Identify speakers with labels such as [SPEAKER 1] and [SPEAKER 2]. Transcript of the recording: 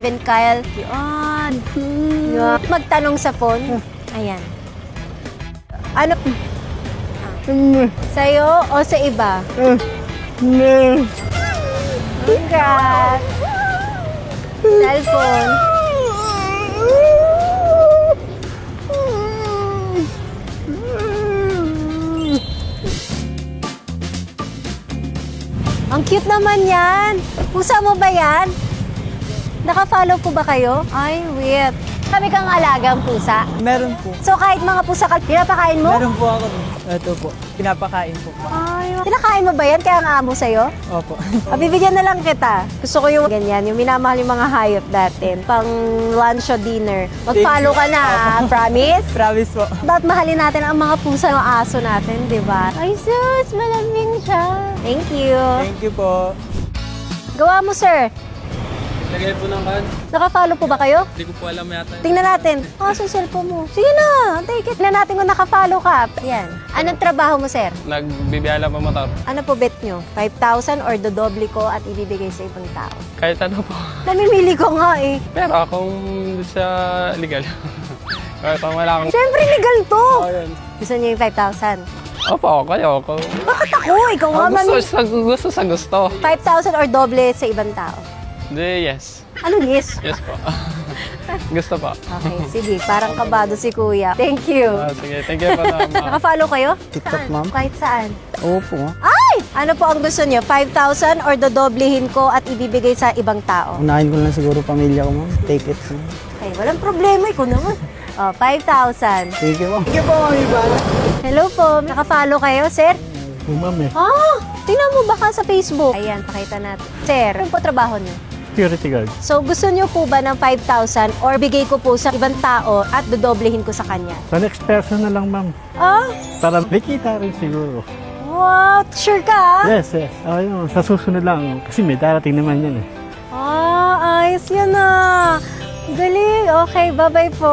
[SPEAKER 1] Ben Kyle, yun. Magtanong sa phone. Ayan. Ano? Sa'yo o sa iba? Congrats! Cellphone. Ang cute naman yan. Pusa mo ba yan? Naka-follow po ba kayo? Ay, wait. Kami kang alagang pusa.
[SPEAKER 2] Meron po.
[SPEAKER 1] So kahit mga pusa ka, pinapakain mo?
[SPEAKER 2] Meron po ako. Ito po. Pinapakain po.
[SPEAKER 1] Ay, pinakain mo ba yan? Kaya ang amo sa'yo?
[SPEAKER 2] Opo.
[SPEAKER 1] Bibigyan na lang kita. Gusto ko yung ganyan, yung minamahal yung mga hayop natin. Pang lunch o dinner. Mag-follow ka na, promise?
[SPEAKER 2] Promise po.
[SPEAKER 1] Dapat mahalin natin ang mga pusa ng aso natin, di ba? Ay, sus! Malamig siya. Thank you.
[SPEAKER 2] Thank you po.
[SPEAKER 1] Gawa mo, sir.
[SPEAKER 3] Lagay po ng card.
[SPEAKER 1] Naka-follow po ba kayo?
[SPEAKER 3] Hindi ko po alam yata.
[SPEAKER 1] Tingnan natin. Sa cellphone mo. Sige na, take it. Tingnan natin kung naka-follow ka. Yan. Anong trabaho mo, sir?
[SPEAKER 3] Nagbibiyala pa motor.
[SPEAKER 1] Ano po bet nyo? 5,000 or dodoble ko at ibibigay sa ibang tao?
[SPEAKER 3] Kahit ano po.
[SPEAKER 1] Namimili ko nga eh.
[SPEAKER 3] Pero akong sa legal. Kahit kung wala akong...
[SPEAKER 1] Siyempre legal to.
[SPEAKER 3] Ayun.
[SPEAKER 1] Gusto niyo yung 5,000?
[SPEAKER 3] Opo, kayo ako.
[SPEAKER 1] Bakit ako? Ikaw nga,
[SPEAKER 3] Gusto sa gusto.
[SPEAKER 1] 5,000 or doble sa ibang tao?
[SPEAKER 3] Hindi, yes.
[SPEAKER 1] Ano yes?
[SPEAKER 3] Yes po. Gusto po.
[SPEAKER 1] Okay, sige. Parang kabado si kuya. Thank you.
[SPEAKER 3] Sige, thank you po na.
[SPEAKER 1] Naka-follow kayo?
[SPEAKER 2] TikTok,
[SPEAKER 1] Saan?
[SPEAKER 2] ma'am.
[SPEAKER 1] Kahit saan.
[SPEAKER 2] Opo.
[SPEAKER 1] Ay! Ano po ang gusto niyo? 5,000 or dodoblehin ko at ibibigay sa ibang tao?
[SPEAKER 2] Unahin ko lang siguro pamilya ko, ma'am. Take it.
[SPEAKER 1] Ay, walang problema. Ikaw naman. 5,000.
[SPEAKER 2] Thank you po. Thank you po, ma'am Ivana.
[SPEAKER 1] Hello po. Naka-follow kayo, sir?
[SPEAKER 2] Ma'am eh.
[SPEAKER 1] Tingnan mo baka sa Facebook. Ayan, pakita natin. Sir, ano po trabaho niyo?
[SPEAKER 2] Security guard.
[SPEAKER 1] So, gusto niyo po ba ng 5,000 or bigay ko po sa ibang tao at dodoblehin ko sa kanya?
[SPEAKER 4] Sa next person na lang, ma'am. Para may kita rin siguro.
[SPEAKER 1] What? Sure ka?
[SPEAKER 4] Yes, yes. Ayun, sa susunod lang. Kasi may darating naman yan eh.
[SPEAKER 1] Ayos yan na. Galing. Okay, bye-bye po.